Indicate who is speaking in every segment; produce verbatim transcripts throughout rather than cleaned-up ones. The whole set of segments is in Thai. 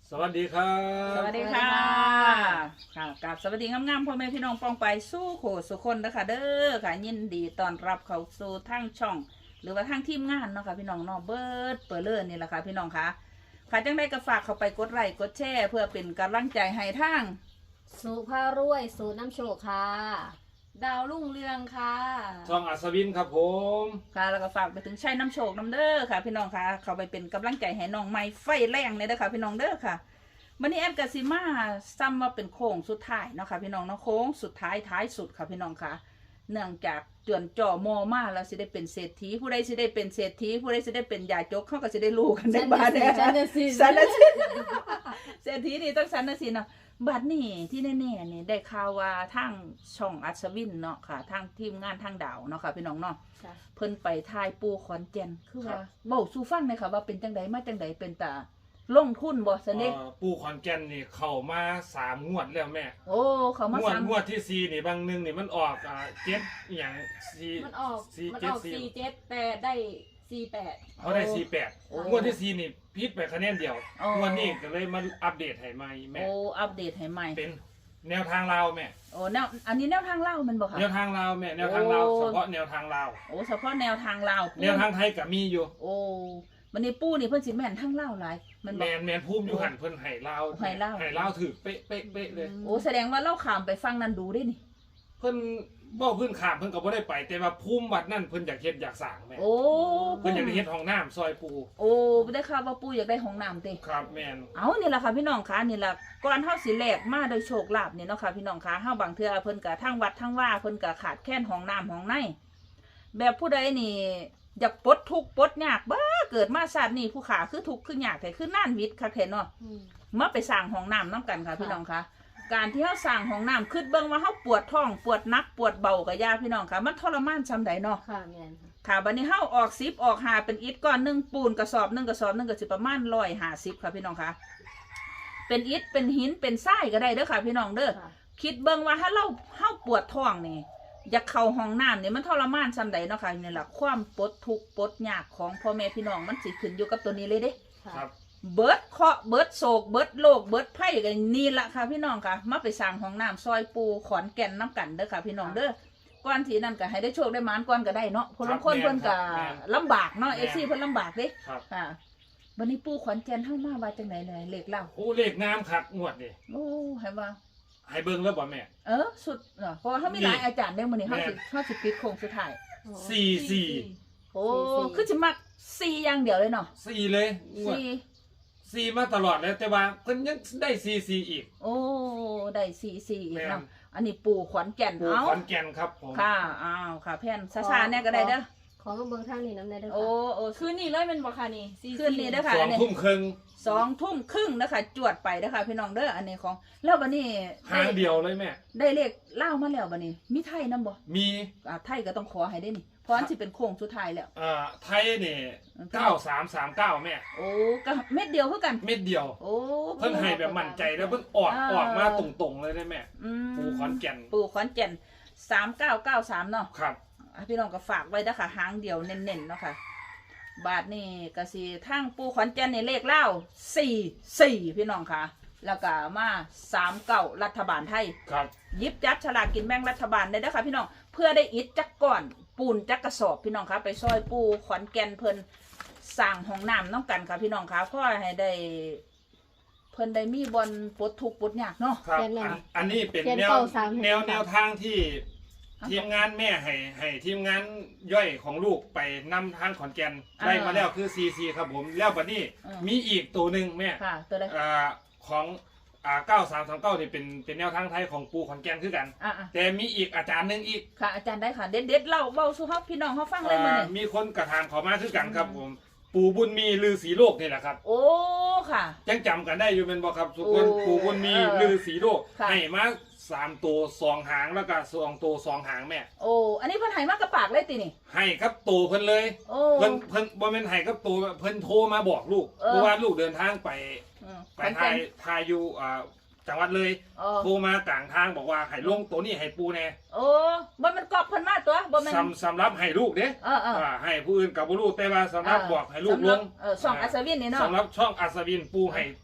Speaker 1: สวัสดีครับ
Speaker 2: สวัสดีค่ะค่ะกับสวัสดีงามๆพ่อแม่พี่น้องปองไปสู้โขสุคนนะคะเด้อค่ะยินดีต้อนรับเข้าสู่ทั้งช่อง หรือว่าทั้งทีมงานเนาะค่ะพี่น้องเนาะเบิร์ดเปิดเลื่อนนี่แหละค่ะพี่น้องค่ะค่ะจังได้ก็ฝากเข้าไปกดไลค์กดแชร์เพื่อเป็นกำลังใจให้ทั้ง
Speaker 3: สุภารวยสูตรน้ำโชคค่ะ
Speaker 4: ดาวรุ่งเรืองค่ะ
Speaker 1: ช่องอัศวินครับผม
Speaker 2: ค่ะแล้วก็ฝากไปถึงชัยน้ำโชคน้ำเด้อค่ะ พี่น้องค่ะเข้าไปเป็นกำลังใจให้น้องไม้ไฟแรงเลยเด้อค่ะพี่น้องเด้อค่ะวันนี้แอมกาซิมาซ้ำว่าเป็นโค้งสุดท้ายเนาะค่ะพี่น้องเนาะโค้งสุดท้ายท้ายสุดค่ะพี่น้องค่ะ เนื่องจากจวนจ่อมอมาแล้วสิได้เป็นเศรษฐีผู้ใดสิได้เป็นเศรษฐีผู้ใดสิได้เป็นยาจกเขาก็สิได้รู้กันในบ้านเนี่ย
Speaker 3: ฉันน่ะสิ
Speaker 2: สันนะสิเศรษฐีนี่ต้องสันนะสิเนาะบัดนี้ที่แน่ๆนี่ได้ข่าวว่าทางช่องอัศวินเนาะค่ะทางทีมงานทางดาวเนาะค่ะพี่น้องเนาะ
Speaker 3: ค่ะ
Speaker 2: เพิ่นไปทายปูขอนแก่นคือว่าเว้าสู่ฟังหน่อยค่ะว่าเป็นจังไดมาจังไดเป็นตาลงทุนบ่ซะนี่
Speaker 1: เอ่อปู่ขอนแก่นนี่เข้ามาสามงวดแล้วแม่
Speaker 2: โอ้เขามาง
Speaker 1: วด
Speaker 2: สาม
Speaker 1: งวดที่สี่นี่บางหนึงนี่มันออกอ่าเจ็ดอหย่างสี่
Speaker 4: มันออก
Speaker 1: สี่
Speaker 4: มัน
Speaker 1: เจ็
Speaker 4: อ
Speaker 1: ด
Speaker 4: อก
Speaker 1: สี่
Speaker 4: สี่เจ็ดแต่ได้สี่แปด
Speaker 1: เขาได้สี่แปดงวดที่สี่นี่พิษไปคะแนนเดียวงวดนี้ก็เลยมาอัปเดตให้ใหม่แม่
Speaker 2: โอ้อัปเดตให้ใหม่
Speaker 1: เป็นแนวทางลาวแม่
Speaker 2: โอ้แนวอันนี้แนวทางลาวมันบ่ค่ะ
Speaker 1: แนวทางลาวแม่แนวทางลาว
Speaker 2: โอ้
Speaker 1: เฉพาะแนวทางลาว
Speaker 2: โอ้เฉพาะแนวทางลาว
Speaker 1: แนวทางไทยก็มีอยู่
Speaker 2: โอ้มันนี่ปูนี่เพิ่นสิแม่นทางลาวหลายมัน
Speaker 1: แม
Speaker 2: บ่
Speaker 1: นแมนภูมิอยู่หันเพิ่นให้ลาว
Speaker 2: ให้ลาว
Speaker 1: ให้ลาวถือเป๊ะเป๊ะเป๊ะเลย
Speaker 2: โอ้แสดงว่าเราข้ามไปฟังนั้นดูได้นี่
Speaker 1: เพิ่นบ่เพิ่นขามเพิ่นก็บ่ได้ไป แต่ว่าภูมิวัดนั่นเพิ่นอยากเฮ็ดอยากสร้างแม่
Speaker 2: โอ้
Speaker 1: เพิ่นอยากได้เฮ็ดห้องน้ำซอยปู
Speaker 2: โอ้ได้ข่าวว่าปูอยากได้ห้องน้ำติ
Speaker 1: ครับแม่น
Speaker 2: เอานี่แหละค่ะพี่น้องคะนี่แหละก่อนเฮาสิแลกมาโดยโชคลาภนี่เนาะค่ะพี่น้องคะเฮาบางเทื่อเพิ่นก็ทั้งวัดทั้งว่าเพิ่นก็ขาดแคลนห้องน้ำห้องในแบบผู้ใดนี่อยากปลดทุกข์ปลดยากบ้าเกิดมาชาตินี้ผู้ขาคือทุกข์คือยากแต่คือน่านวิทย์ค่ะแท้เนาะ
Speaker 3: อืม
Speaker 2: มาไปสร้างห้องน้ำน้ำกันค่ะ
Speaker 3: ค่ะ
Speaker 2: พี่น้องคะการที่เฮาสร้างห้องน้ำคิดเบิ่งว่าเฮาปวดท้องปวดหนักปวดเบาก็ยาพี่น้องค่ะมันทรมานซำใดเนาะ
Speaker 3: ค่ะแม่นค่ะ
Speaker 2: ค่ะบัดนี้เฮาออกสิบออกหาเป็นอิฐก้อนหนึงปูนกระสอบหนึงกระสอบหนึงก็สิประมาณร้อยห้าสิบค่ะพี่น้องคะเป็นอิฐเป็นหินเป็นทรายก็ได้เด้อค่ะพี่น้องเด้อ
Speaker 3: ค่ะ
Speaker 2: คิดเบิ่งว่าถ้าเราเฮาปวดท้องนี่อยากเข้าห้องน้ำนี่มันทรมานซำใดเนาะค่ะนี่แหละความปวดทุกข์ปวดยากของพ่อแม่พี่น้องมันสิขึ้นอยู่กับตัวนี้เลยเด้
Speaker 3: ค่ะ
Speaker 1: ครับ
Speaker 2: เบิดเคราะห์เบิดโศกเบิดโลกเบิดไพ่กันนี่ละค่ะพี่น้องค่ะมาไปสร้างห้องน้ำซอยปูขอนแก่นน้ำกันเด้อค่ะพี่น้องเด้อก่อนที่นั่นก็ให้ได้โชคได้หมานก่อนก็ได้เนาะคนละคนเพิ่นก็ลำบากเนาะเอซี่เพิ่นลำบากเด้
Speaker 1: ครับ
Speaker 2: ค่ะวันนี้ปูขอนแก่นเฮามาว่าจังไหนเลยเลขเล่า
Speaker 1: โอ้เลขงามคักงวดนี่
Speaker 2: โอ้ให้ว่า
Speaker 1: ให้เบิ่งแล้วบ่แม่
Speaker 2: เออสุดเนาะเพราะว่าเฮามีหลายอาจารย์เด้อมื้อนี้เฮาสิเฮาสิปิดโค้งสุดท้าย
Speaker 1: สี่สี่
Speaker 2: โอ้คือสิมักสี่อย่างเดียวเลยเนาะ
Speaker 1: สี่เลยงวด
Speaker 2: สี่
Speaker 1: สี่มาตลอดแล้วแต่ว่าเพิ่นยังได้สี่สี่อีก
Speaker 2: โอ้ได้สี่สี่อีก
Speaker 1: แม่น
Speaker 2: เนาะอันนี้ปูขอนแก่น
Speaker 1: ปู
Speaker 2: เอ้า
Speaker 1: ขอนแก่นครับผม
Speaker 2: ค่ะ อ้าว ค่ะแพนซาๆเนี่ยก็ได้เด้อ
Speaker 3: ขอมาเบิ่งทางนี้น้ำได้เด้อ
Speaker 2: โอ้
Speaker 3: ค่ะ
Speaker 2: โอ้
Speaker 4: คืนนี้เลยเป็นบ่ค่ะนี่สี่
Speaker 2: คืนนี้เด้อค่ะ
Speaker 1: สองทุ่มครึ่ง
Speaker 2: สองทุ่มครึ่งนะคะจวดไปนะคะพี่น้องเด้อ อันนี้ของ แล้วบันนี้
Speaker 1: หางเดียวเลยแม่
Speaker 2: ได้เลขเล่ามาแล้วบันนี้ มีไทยนำบ่
Speaker 1: มี
Speaker 2: อ่าไทยก็ต้องขอให้ได้นี่ เพราะอันสิเป็นโค้งสุดท้ายแล้ว
Speaker 1: เอ่อไทยนี่เก้าสามสามเก้าแม่
Speaker 2: โอ้ ก็เม็ดเดียวคือกัน
Speaker 1: เม็ดเดียว
Speaker 2: โอ้
Speaker 1: เพิ่นให้แบบมั่นใจแล้วเพิ่นออก
Speaker 2: อ่า
Speaker 1: ออกมาตรงๆเลยได้แม่
Speaker 2: อืม
Speaker 1: ปูขอนแก่น
Speaker 2: ปูขอนแก่นสามเก้าเก้าสามเนาะ
Speaker 1: ครับ
Speaker 2: อ่ะพี่น้องก็ฝากไว้นะคะหางเดียวเน้นๆเนาะค่ะ บาทนี่ก็สิทั้งปูขอนแก่นในเลขเล่าสี่สี่พี่น้องค่ะ แล้วก็มาสามเก้ารัฐบาลไทย
Speaker 1: ครับ
Speaker 2: หยิบจัดฉลากกินแบ่งรัฐบาลได้เด้อค่ะพี่น้องเพื่อได้อิฐจักก่อนปูนจักกระสอบพี่น้องค่ะไปซอยปูขอนแก่นเพิ่นสร้างห้องน้ำน้องกันค่ะพี่น้องค่ะเพื่อให้ได้ เพิ่นได้มีบอลปลดทุกข์ปลดยากเนาะ
Speaker 1: ครับ
Speaker 3: เขียนเลย
Speaker 1: อันอันนี้เป็น
Speaker 3: เขียน
Speaker 1: แนว
Speaker 3: เก้าสาม
Speaker 1: แนวแนวทางที่ทีมงานแม่ให้ให้ทีมงานย่อยของลูกไปนำทางขอนแก่นได้มาแล้วคือ ซี ซี ครับผมแล้วบัดนี้มีอีกตัวหนึ่งแม่
Speaker 2: ค่ะ ตัวใด
Speaker 1: อ่าของอ่าเก้าสามสามเก้านี่เป็นเป็นแนวทางไทยของปูขอนแก่นคือกัน
Speaker 2: อ่ะอ่ะ
Speaker 1: แต่มีอีกอาจารย์หนึ่งอีก
Speaker 2: ค่ะอาจารย์ได้ค่ะ เด็ดเด็ดๆเล่าเบาสู่เฮาพี่น้องเฮาฟังเลยมื้อ
Speaker 1: อ่า
Speaker 2: นี้
Speaker 1: มีคนกระทำเขามาคือกันครับผมปูบุญมีลือสีโลกนี่แหละครับ
Speaker 2: โอ้ค่ะ
Speaker 1: ยังจำกันได้อยู่เป็นบ่ครับทุกคน
Speaker 2: โอ้
Speaker 1: ปูบุญมี
Speaker 2: เออ
Speaker 1: ลือสีโลก
Speaker 2: ค่ะ
Speaker 1: ให้มาสามตัวสองหางแล้วก็สองตัวสองหางแม่
Speaker 2: โอ้อันนี้เพิ่นให้มากระปากเลยตินี่
Speaker 1: ให้ครับตัวเพิ่นเลย
Speaker 2: โอ้
Speaker 1: เพิ่นเพิ่นบ่แม่นให้ครับตัวเพิ่นโทรมาบอกลูก
Speaker 2: เออ
Speaker 1: เพราะว่าลูกเดินทางไป
Speaker 2: อืม
Speaker 1: ไปทายทายอยู่อ่าจังหวัดเลย
Speaker 2: โอ้
Speaker 1: โทรมากลางทางบอกว่าให้ลงตัวนี้ให้ปูแน่
Speaker 2: โอ้บ่แมันกรอบเพิ่นมาตัวบ่แม่น
Speaker 1: สำสำหรับให้ลูกเด้
Speaker 2: เออเออ
Speaker 1: อ่าให้ผู้อื่นกับบ่รู้แต่ว่าสำหรับบอกให้ลูกลง
Speaker 2: เออช่องอัศวินนี่เนาะ
Speaker 1: สำหรับช่องอัศวินปูให้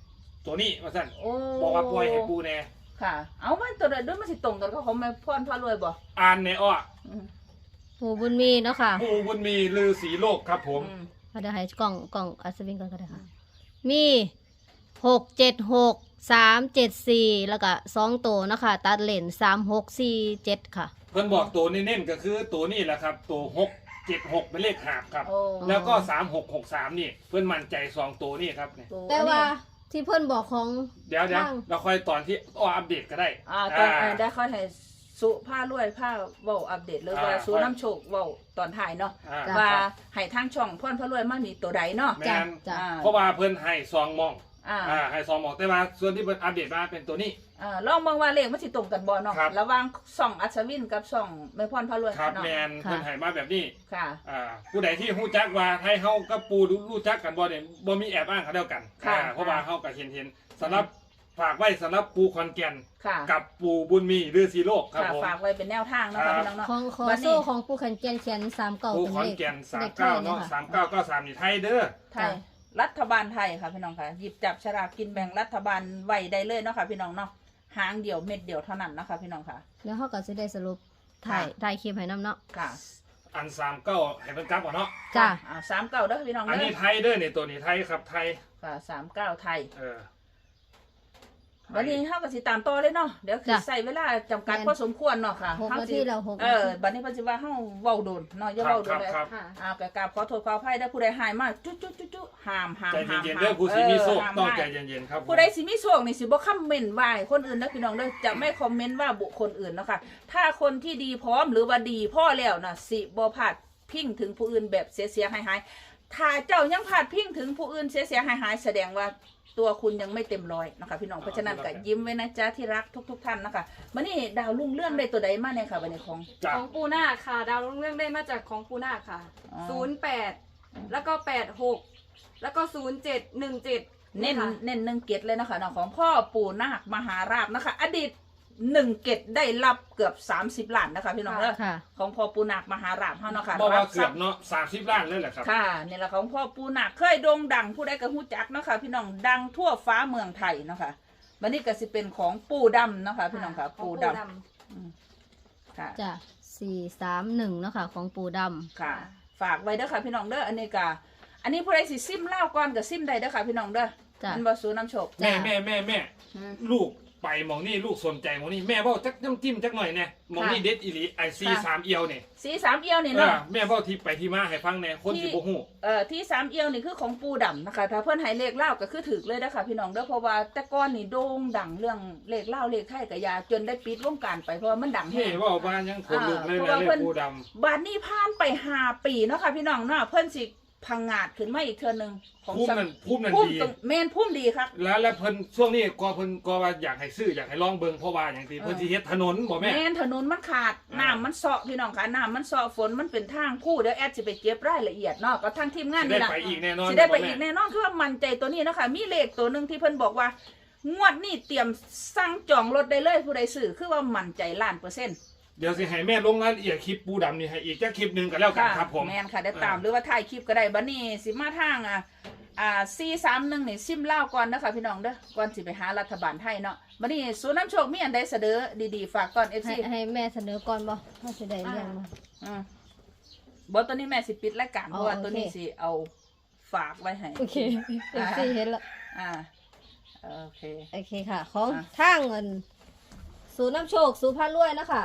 Speaker 1: ตัวนี้ว่าซั่น
Speaker 2: โอ้
Speaker 1: บอกว่าปล่อยให้ปูแน่
Speaker 2: ค่ะ เอามันตัวใดด้วยมันสิตรงกันกับของแม่พรพารวยบ่
Speaker 1: อ่านในอ้อ
Speaker 2: อืม
Speaker 3: ปู่บุญมีเนาะค่ะ
Speaker 1: ปูบุญมีลือสีโลกครับผม
Speaker 2: อืม
Speaker 3: เอาเดี๋ยวให้กล่องกล่องอัศวินก่อนก็ได้ค่ะ มีหกเจ็ดหกสามเจ็ดสี่แล้วก็สองตัวเนาะค่ะตัดเลนสามหกสี่เจ็ดค่ะ
Speaker 1: เพิ่นบอกตัวเน้นๆก็คือตัวนี้แหละครับตัวหกเจ็ดหกเป็นเลขหาบครับ
Speaker 2: โอ้
Speaker 1: แล้วก็สามหกหกสามนี่เพื่อนมั่นใจสองตัวนี่ครับเนี่ย
Speaker 2: ตัว
Speaker 3: แต่ว่า
Speaker 2: อันนี้
Speaker 3: ที่เพิ่นบอกของ
Speaker 1: เดี๋ยวเดี๋ยว
Speaker 3: บ้าง
Speaker 1: เราค่อยตอนที่อ้ออัปเดตก็ได้
Speaker 2: อ่าตอนอ่าได้ค่อยให้สุผ้ารวยผ้าเว้าอัปเดตเลยว่า
Speaker 1: อ่า
Speaker 2: สุน้ำโชคเว้าตอนถ่ายเนาะ
Speaker 1: อ่า
Speaker 3: จ้ะ
Speaker 2: ว่าให้ทางช่องพรพารวยมามีตัวใดเนาะ
Speaker 1: แม่
Speaker 3: จ้ะ
Speaker 1: น
Speaker 3: จ้ะ
Speaker 2: อ่า
Speaker 1: เพราะว่าเพื่อนให้ซองมอง
Speaker 2: อ่า
Speaker 1: อ่าให้ซองมองแต่ว่าส่วนที่เพื่อนอัปเดตมาเป็นตัวนี้
Speaker 2: อ่าลองเบิ่งว่าเลขมันสิตรงกันบ่เนาะ
Speaker 1: ครับ
Speaker 2: ระหว่างช่องอัศวินกับช่องแม่พรพารวย
Speaker 1: ครับ
Speaker 2: เนาะ
Speaker 1: แมน
Speaker 3: ค่ะ
Speaker 1: เพื่อนให้มาแบบนี้
Speaker 2: ค่ะ
Speaker 1: อ่าผู้ใดที่ฮู้จักว่าให้เฮากับปูรู้จักกันบ่เนี่ยบ่มีแอบอ้างเขาเดียวกัน
Speaker 2: ค่ะ
Speaker 1: อ่าเพราะว่าเฮาก็เห็นเห็นสำหรับฝากไว้สำหรับปูคอนแก่น
Speaker 2: ค่ะ
Speaker 1: กับปูบุญมีหรือสีโลกครับ
Speaker 2: ค่ะ
Speaker 1: ผม
Speaker 2: ฝากไว้เป็นแนวทางเนาะ
Speaker 1: ครั
Speaker 2: ค่ะ
Speaker 1: บ
Speaker 2: พี่น้องเนาะ
Speaker 3: ของขอ
Speaker 2: บัดนี้
Speaker 3: โซ่ของปู่ขันเจียนเขียนสามเก่า
Speaker 1: ปู
Speaker 3: เป็น
Speaker 1: ขอน
Speaker 3: เลข
Speaker 1: แก่นสาม
Speaker 3: เลขไท
Speaker 1: เก้าย เนาะ
Speaker 3: ค่ะ
Speaker 1: สามเก้าเก้าสามนี่ไทยเด้อ
Speaker 2: ไทยรัฐบาลไทยค่ะพี่น้องค่ะหยิบจับฉลากกินแบ่งรัฐบาลไว้ได้เลยเนาะค่ะพี่น้องเนาะหางเดียวเม็ดเดียวเท่านั้นเนาะค่ะพี่น้องค่ะ
Speaker 3: แล้วเขาก็จะได้สรุปถ่ายถ่ายคลิปให้น้ำเนาะ
Speaker 2: ค่ะ
Speaker 1: อันสามเก้าให้เพิ่นกลับก่อนเนาะ
Speaker 3: จ้ะ
Speaker 2: อ่าสามเก้าเด้อพี่น้อง
Speaker 1: อัน
Speaker 2: เด้
Speaker 1: นี้
Speaker 2: อ
Speaker 1: ไทยเด้อเนี่ยตัวนี้ไทยครับไทย
Speaker 2: ค่ะสามเก้าไทย
Speaker 1: เออ
Speaker 2: วันนี้เขาก็สิตามต่อเลยเนาะเดี๋ยวคือใส่เวลาจำกัดพอสมควรเนาะค่ะ
Speaker 3: หก
Speaker 2: เฮา
Speaker 3: นา
Speaker 2: สิ
Speaker 3: ทีแล้วหก
Speaker 2: เอ
Speaker 3: นา
Speaker 2: อ
Speaker 3: ที
Speaker 2: บัดนี้เพิ่นสิว่าเฮาเว้าโดนเนาะอย่า
Speaker 1: ครับ
Speaker 2: เว้าโด
Speaker 1: ครั
Speaker 2: น
Speaker 1: บ
Speaker 2: เลย
Speaker 1: ครับ
Speaker 4: ค่ะ
Speaker 2: อ่ากกราบขอโทษขออภัยเด้อผู้ใดหายมาจุ๊จุ๊จุ๊จุ๊ห้ามห้าม
Speaker 1: ใจ
Speaker 2: ห้าม
Speaker 1: เย็นๆ
Speaker 2: ห้าม
Speaker 1: เด้อผู้สิมีโชค
Speaker 2: ห้าม
Speaker 1: ต้อง
Speaker 2: ห้าม
Speaker 1: ใจเย็นๆครับ
Speaker 2: ผู้ใดสิมีโชคนี่สิบ่คอมเมนต์ว่าให้คนอื่นนะพี่น้องเด้อจะไม่คอมเมนต์ว่าบุคคลอื่นเนาะค่ะถ้าคนที่ดีพร้อมหรือว่าดีพ่อแล้วน่ะสิบ่พลาดพิงถึงผู้อื่นแบบเสียๆหายๆถ้าเจ้ายังพลาดพิงถึงผู้อื่นเสียๆหายๆแสดงว่าตัวคุณยังไม่เต็มร้อยนะคะพี่น้องเพราะฉะนั้นก็ยิ้มไว้นะจ๊ะที่รักทุกๆท่านนะคะมื้อนี้ดาวรุ่งเรื่องได้ตัวใดมาเนี่ยค่ะบัดนี้ของ
Speaker 1: จ้ะ
Speaker 4: ของปูนาคค่ะ ดาวรุ่งเรื่องได้มาจากของปูนาคค่ะ
Speaker 2: อ๋อ
Speaker 4: ศูนย์แปดแล้วก็แปดหกแล้วก็ศูนย์เจ็ดหนึ่งเจ็ด
Speaker 2: เน้น
Speaker 4: ค่ะ
Speaker 2: เน้นหนึ่งเกตเลยนะคะเนาะของพ่อปู่นาคมหาราชนะคะ อดีตหนึ่งเกตได้รับเกือบสามสิบล้านนะคะพี่น้องเด้อ
Speaker 3: ค่ะ
Speaker 2: ของพ่อปู่นาคมหาราชเฮาเนาะค่ะ
Speaker 1: บอกว่า
Speaker 2: รับ
Speaker 1: เกื
Speaker 2: ทรั
Speaker 1: อ
Speaker 2: พ
Speaker 1: บ
Speaker 2: ย์
Speaker 1: เนาะสามสิบล้านเลยแหละครับ
Speaker 2: ค่ะนี่แหละของพ่อปู่นาคเคยโด่งดังผู้ใดก็ฮู้จักเนาะค่ะพี่น้องดังทั่วฟ้าเมืองไทยเนาะค่ะวันนี้ก็สิเป็นของปู่ดำเนาะค่ะพี่น้องค่ะ
Speaker 4: ของ
Speaker 2: ปู่ดำอืมค่ะ
Speaker 3: จ้ะสี่สามหนึ่งเนาะค่ะ ของปู่ด
Speaker 2: ค่ะ ฝากไว้เด้อค่ะพี่น้องเด้ออันนี้ก็อันนี้ผู้ใดสิซิมเล่าวก่อนก็ซิมได้เด้อค่ะพี่น้องเด้อ
Speaker 3: ำจ้ะ
Speaker 2: มันบ่สูน้ำโชค
Speaker 1: แม่แม่แม่แม่
Speaker 2: อืม
Speaker 1: ลูกไปหมองนี่ลูกสนใจหมองนี่แม่เบ้าจักน้ำจิ้มจักหน่อยแน่หมองนี่
Speaker 2: ค่ะ
Speaker 1: เด็ดอีหลีไอซี
Speaker 2: ค่ะ
Speaker 1: สามเอียวเนี่ย
Speaker 2: สีสามเอียวนี่
Speaker 1: เอ
Speaker 2: เนาะ
Speaker 1: อแม่เบ้าที่ไปที่มาให้ฟังแน่คนสิบ่ฮู้
Speaker 2: เอ่อที่สามเอียวนี่คือของปูดำนะคะถ้าเพื่อนให้เลขเล่าก็คือถือเลยนะคะพี่น้องเด้อเพราะว่าแต่ก้อนนี่โด่งดังเรื่องเลขเล่าเลขไทยกับยาจนได้ปิดวงการไปเพราะว่ามันดัง
Speaker 1: เฮ้
Speaker 2: แห้ง
Speaker 1: เว่าบ้านยังขนลุกเลย
Speaker 2: อ่า
Speaker 1: นะ
Speaker 2: เพราะว่าเพิ่
Speaker 1: เลข
Speaker 2: น
Speaker 1: ปูด
Speaker 2: บานนี้ผ่านไปห้าปีเนาะค่ะพี่น้องเนาะเพื่อนสิพังงาดขึ้นมาอีกเทือหนึงของ
Speaker 1: ำพุ่มนั่นพุ่มนั่น
Speaker 2: พุ่ม
Speaker 1: ดี
Speaker 2: ตรงแมนพุ่มดีครับ
Speaker 1: แล้วแล้วเพิ่นช่วงนี้ก็เพิ่นก็ว่าอยากให้ซื้ออยากให้ลองเบิ่งเพราะว่าอย่างที่
Speaker 2: เออ
Speaker 1: เพิ่นสิเฮ็ดถนนบ่แม่
Speaker 2: แมนถนนมันขาด
Speaker 1: อ่า
Speaker 2: น้ำมันเซาะพี่น้องค่ะน้ำมันเซาะฝนมันเป็นทางคู่เดี๋ยวแอดจะไปเก็บรายละเอียดเนาะก็ทางทีมงาน
Speaker 1: สิ
Speaker 2: นี่
Speaker 1: ได้
Speaker 2: แหละ
Speaker 1: ไปอีกแน่นอน
Speaker 2: สิได้ไป
Speaker 1: บ่
Speaker 2: อี
Speaker 1: แม่
Speaker 2: กแน่นอนคือว่ามันใจตัวนี้เนาะคะมีเลขตัวหนึ่งที่เพิ่นบอกว่า งวดนี้เตรียมสั่งจองรถได้เลยผู้ใดซื้อคือว่ามันใจล้านเปอร์เซ็นต์
Speaker 1: เดี๋ยวสิให้แม่ลงรายละเอียดคลิปปูดำนี่ให้อีกจักคลิปหนึงก็แล้วกันครับผม
Speaker 2: แมนค่ะได้ตาม
Speaker 1: อ่า
Speaker 2: หรือว่าถ่ายคลิปก็ได้บัดนี้สิมาทางอ่ะอ่าซีสามหนึ่งนี่ซิมเล่าวก่อนนะคะพี่น้องเด้อก่อนสิไปหารัฐบาลไทยเนาะบัดนี้ศูนย์น้ำโชคมีอันใดเสนอดีๆฝากก่อนเอฟ
Speaker 3: ให้
Speaker 2: ซี
Speaker 3: ให้แม่เสนอก่อนบ่ถ้าจะได้เรื่องมา
Speaker 2: อืมบอตัวนี้แม่สิปิดรายการเพ
Speaker 3: อ๋อ
Speaker 2: ราะว่า
Speaker 3: โอเค
Speaker 2: ตัวนี้สิเอาฝากไว้ให้
Speaker 3: โอเคเอฟซีเห็นแล้ว
Speaker 2: อ่าโอเค
Speaker 3: โอเคค่ะ ของ
Speaker 2: อ่ะ
Speaker 3: ทางเงินศูนย์น้ำโชคศูนย์พันรวยนะคะ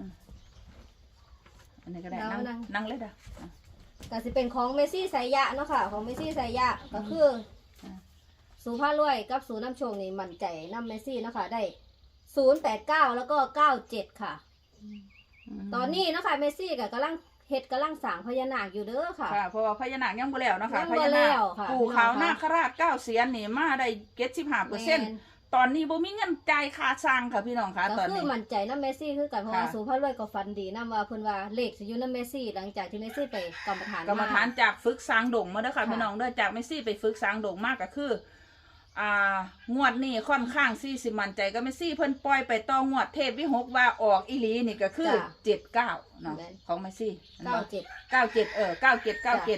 Speaker 2: อันนี้ก็ได้
Speaker 3: เอา
Speaker 2: นั่ง
Speaker 3: นั่ง
Speaker 2: นั่งเลยเด้ออ่ะ
Speaker 3: ก็สิเป็นของเมซี่สายยะเนาะค่ะ ของเมซี่สายยะก็คืออ
Speaker 2: ม
Speaker 3: ศูนย์พันรวยกับศูนย์น้ำโชคนี่มั่นใจน้ำเมซี่เนาะค่ะได้ศูนย์แปดเก้าแล้วก็เก้าเจ็ดค่ะ
Speaker 2: ม
Speaker 3: ตอนนี้เนาะค่ะเมซี่ก็กำลังเฮ็ดกำลังสร้างพญานาคอยู่เด้อค่ะ
Speaker 2: ค่ะเพราะว่าพญานาคยังบ่แล้วเนาะค่ะ
Speaker 3: ยัง
Speaker 2: พ
Speaker 3: บ่
Speaker 2: ญา
Speaker 3: แล้
Speaker 2: นาคว
Speaker 3: ค่ะ
Speaker 2: ปู่ขาว
Speaker 3: พี่น้
Speaker 2: นา
Speaker 3: อง
Speaker 2: ค
Speaker 3: ค่ะ
Speaker 2: ราชเก้าเสียนนี่มาได้เจ็ดสิบห้าเปอร์เซ็นต์ตอนนี้บ่มีเงินจ่ายค่าสร้างค่ะพี่น้องค่ะ
Speaker 3: ก็
Speaker 2: ตอน
Speaker 3: คือ
Speaker 2: นี้
Speaker 3: มั่นใจน้ำเมซี่คือกันเพราะว่า
Speaker 2: ค่ะ
Speaker 3: ศูนย์พันรวยก็ฟันดีน้ำว่าเพิ่นว่าเลขสิอยู่น้ำเมซี่หลังจากที่เมซี่ไปกรรมฐาน
Speaker 2: กรรมฐานจากฝึกสร้างดงมาเด้อค่ะ
Speaker 3: ค่ะ
Speaker 2: พี่น้องเด้อจากเมซี่ไปฝึกสร้างดงมากก็คืออ่างวดนี้ค่อนข้างซี่สิมั่นใจก็เมซี่เพิ่นปล่อยไปต่องวดเทพวิหกว่าออกอีหลีนี่ก็คือเจ็ดเก้าเนาะของเมซี่
Speaker 3: เก้าเจ็ด
Speaker 2: เก้าเจ็ดเออเก้าเจ็ดเก้าเจ็ด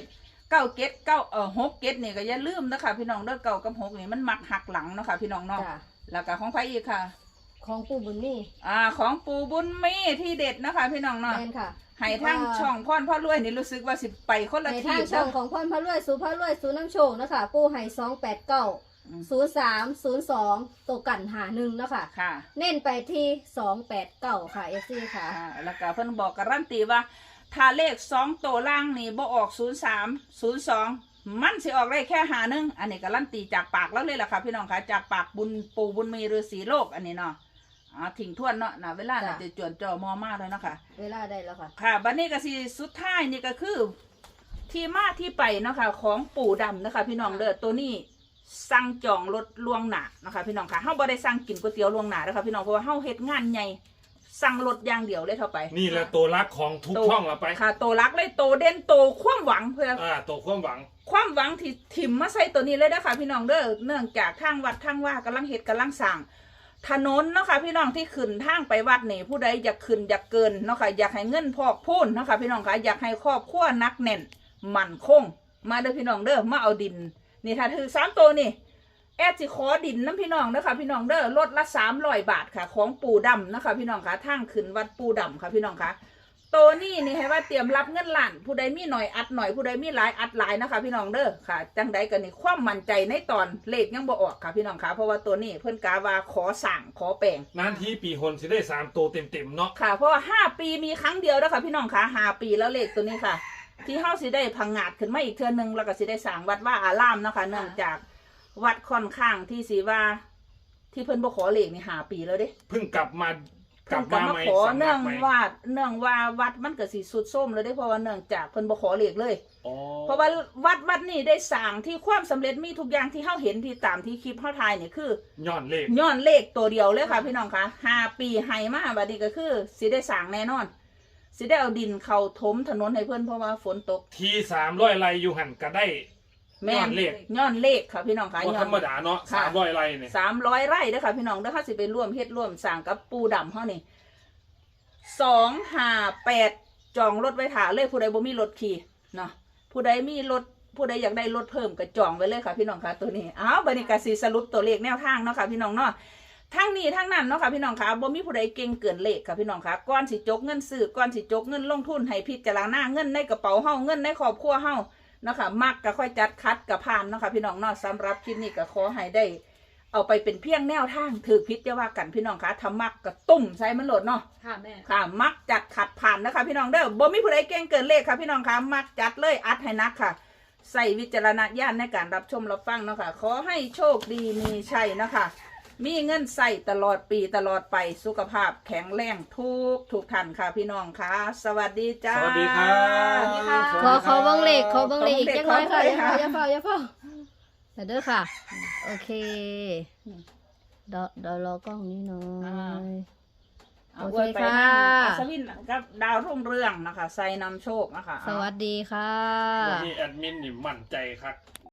Speaker 2: เก้าเก็ดเก้าเอ่อหกเก็ดนี่ก็อย่าลืมนะคะพี่น้องเด้อเก้ากับหกนี่มันมักหักหลังเนาะค่ะพี่น้องเนาะ
Speaker 3: จ้ะ
Speaker 2: แล้วก็ของไผอีกค่ะ
Speaker 3: ของปู่บุญนี่
Speaker 2: อ่าของปูบุญมีที่เด็ดนะคะพี่น้องเนาะ
Speaker 3: แม่นค่ะ
Speaker 2: ให้ทั้งช่องพ่อนพ่อรวยนี่รู้สึกว่าสิไปคนละ
Speaker 3: ใน
Speaker 2: ที่
Speaker 3: ทางช่องของพ่อนพระรวยสูพระรวยสูน้ำโชคนะคะปู่ให้สองแปดเก้าศูนย์สามศูนย์สองตัวกันหาหนึ่งนะคะ
Speaker 2: ค่ะ
Speaker 3: เน้นไปที่สองแปดเก้าค่ะเอฟซีค่ะ
Speaker 2: อ่าแล้วก็เพิ่นบอกการันตีว่าถ้าเลขสองตัวล่างนี่บ่ออกศูนย์สามศูนย์สองมันสิออกได้แค่หาหนึ่งอันนี้การันตีจากปากแล้วเลยล่ะค่ะพี่น้องค่ะจากปากบุญปูบุญมีฤาษีโลกอันนี้เนาะอ่าทิ้งทวนเนาะนะเวลาน่ะ
Speaker 3: จ้ะ
Speaker 2: จะจวนจอมอมากเลยเนาะค่ะ
Speaker 3: เวลาได้แล้วค่ะ
Speaker 2: ค่ะบัดนี้ก็สิสุดท้ายนี่ก็คือ ที่มาที่ไปเนาะค่ะของปู่ดำนะคะพี่น้องเด้อตัวนี้สั่งจองรถล่วงหน้านะคะพี่น้องค่ะเฮาบ่ได้สั่งกินก๋วยเตี๋ยวล่วงหน้านะคะพี่น้องเพราะว่าเฮาเฮ็ดงานใหญ่สั่งรถอย่างเดียวเลยเท่าไป
Speaker 1: นี่แหละตัวรักของทุกช่องเราไป
Speaker 2: ค่ะโตรักเลยโตเด่นโตความหวังเพื่อ
Speaker 1: อ่าตัวความหวัง
Speaker 2: ความหวังที่ถิ่มมาใส่ตัวนี้เลยนะคะพี่น้องเด้อเนื่องจากทางวัดทางว่ากำลังเฮ็ดกำลังสร้างถนนเนาะค่ะพี่น้องที่ขึ้นทางไปวัดนี่ผู้ใดอยากขึ้นอยากเกินเนาะค่ะอยากให้เงินพอกพูนเนาะค่ะพี่น้องค่ะอยากให้ครอบครัวนักแน่นมั่นคงมาเด้อพี่น้องเด้อมาเอาดินนี่ถ้าถือสามตัวนี่แอดสิขอดินน้ำพี่น้องเด้อค่ะพี่น้องเด้อลดละสามร้อยบาทค่ะของปู่ดำนะคะพี่น้องค่ะทางขึ้นวัดปู่ดำค่ะพี่น้องค่ะตัวนี้นี่ให้ว่าเตรียมรับเงินล้านผู้ใดมีหน่อยอัดหน่อยผู้ใดมีหลายอัดหลายนะคะพี่น้องเด้อค่ะจังใดกันนี่ความมั่นใจในตอนเลขยังบ่ออกค่ะพี่น้องค่ะเพราะว่าตัวนี้เพิ่นกาว่าขอสั่งขอแปลง
Speaker 1: นานทีปีหนสิได้สามตัวเต็มๆเนาะ
Speaker 2: ค่ะเพราะว่าห้าปีมีครั้งเดียวแล้วค่ะพี่น้องค่ะห้าปีแล้วเลขตัวนี้ค่ะ ที่เฮาสิได้พังงาดขึ้นมาอีกเทื่อนึงแล้วก็สิได้สร้างวัดว่าอารามเนาะค่ะเนื่องจากวัดค่อนข้างที่สิว่า ที่เพิ่นบ่ขอเลขนี่ห้าปีแล้วเด้
Speaker 1: เพิ่งกลับมาก
Speaker 2: เพิ่
Speaker 1: ลั
Speaker 2: น
Speaker 1: บ
Speaker 2: ก็
Speaker 1: มา
Speaker 2: มา
Speaker 1: ใหม่
Speaker 2: ขอ
Speaker 1: สำนั
Speaker 2: เนื่อก ง
Speaker 1: ใหม่
Speaker 2: ว่าเนื่องว่าวัดมันก็สิสุดโทรมแล้วเด้เพราะว่าเนื่องจากเพิ่นบ่ขอเลขเลย
Speaker 1: อ๋อ
Speaker 2: เพราะว่าวัดวัดนี่ได้สร้างที่ความสำเร็จมีทุกอย่างที่เฮาเห็นที่ตามที่คลิปเฮาถ่ายนี่คือ
Speaker 1: ย้อนเลข
Speaker 2: ย้อนเลขตัวเดียวเลยค่ะพี่น้องคะห้าปีให้มาบัดนี้ก็คือสิได้สร้างแน่นอนสิได้เอาดินเข้าถมถนนให้เพิ่นเพราะว่าฝนตก
Speaker 1: ทีสามร้อยไร่อยู่หันก็ได้
Speaker 2: แม่
Speaker 1: ย้อนเลข
Speaker 2: ย้อนเลขค่ะพี่น้องคะ
Speaker 1: บ่
Speaker 2: ย้อ
Speaker 1: ธร
Speaker 2: น
Speaker 1: รมดาเนาะ
Speaker 2: ค่ะ
Speaker 1: สามร้อยไร่เนี่ย
Speaker 2: สามร้อยไร่เด้อค่ะพี่น้องเด้อค่ะสิไปร่วมเฮ็ดร่วมสร้างกับปูดำเฮานี่สองห้าแปดจองรถไว้ถ่าเลยผู้ใดบ่มีรถขี่เนาะผู้ใดมีรถผู้ใดอยากได้รถเพิ่มก็จองไว้เลยค่ะพี่น้องคะตัวนี้อ้าวบัดนี้ก็สิสรุปตัวเลขแนวทางเนาะค่ะพี่น้องเนาะทั้งนี้ทั้งนั้นเนาะค่ะพี่น้องคะบ่มีผู้ใดเก่งเกินเลขค่ะพี่น้องคะก่อนสิจกเงินซื้อก่อนสิจกเงินลงทุนให้พิจารณาเงินในกระเป๋าเฮาเงินในครอบครัวเฮาเนาะค่ะมักก็ค่อยจัดคัดกับผ่านเนาะค่ะพี่น้องเนาะสำหรับคลิปนี้ก็ขอให้ได้ เอาไปเป็นเพียงแนวทางถือพิษจะว่ากันพี่น้องคะทำมักกับตุ่มใส่มันโหลดเนาะ
Speaker 4: ค่ะแม่
Speaker 2: ค่ะมักจัดขัดผ่านนะคะพี่น้องเด้อบ่มีผู้ใดเก่งเกินเลขค่ะพี่น้องคะมักจัดเลยอัดให้นักค่ะใส่วิจารณญาณในการรับชมรับฟังเนาะค่ะขอให้โชคดีมีชัยนะคะมีเงินใส่ตลอดปีตลอดไปสุขภาพแข็งแรงทุกทุกท่านค่ะพี่น้องค่ะสวัสดีจ้า
Speaker 1: สวัสดีครับ
Speaker 4: สวัสดีค่ะ
Speaker 3: ขอขอเบังเลขขอเบังเลขอีก
Speaker 2: ขอ
Speaker 3: จัง
Speaker 2: เบิ่
Speaker 3: น้อง ย
Speaker 2: เลข
Speaker 3: ค่ะ
Speaker 2: ขอ
Speaker 3: อย่า
Speaker 2: เบิ่งเลข
Speaker 3: เฝ้าอย่าเฝ้าอย่าเฝ้าเดี๋ยวเด้อค่ะ โอเคเดี๋ยวเดี๋ยวรอกล้องนี้หน่อ
Speaker 2: อ่า
Speaker 3: ย
Speaker 2: เอา
Speaker 3: โอเค
Speaker 2: ไว้ไป
Speaker 3: ค่ะ
Speaker 2: นั่งอัศวินกับดาวรุ่งเรืองนะคะใส่นำโชคนะคะ
Speaker 3: สวัสดีค่ะ
Speaker 1: วันนี้แอดมินนี่มั่นใจครับ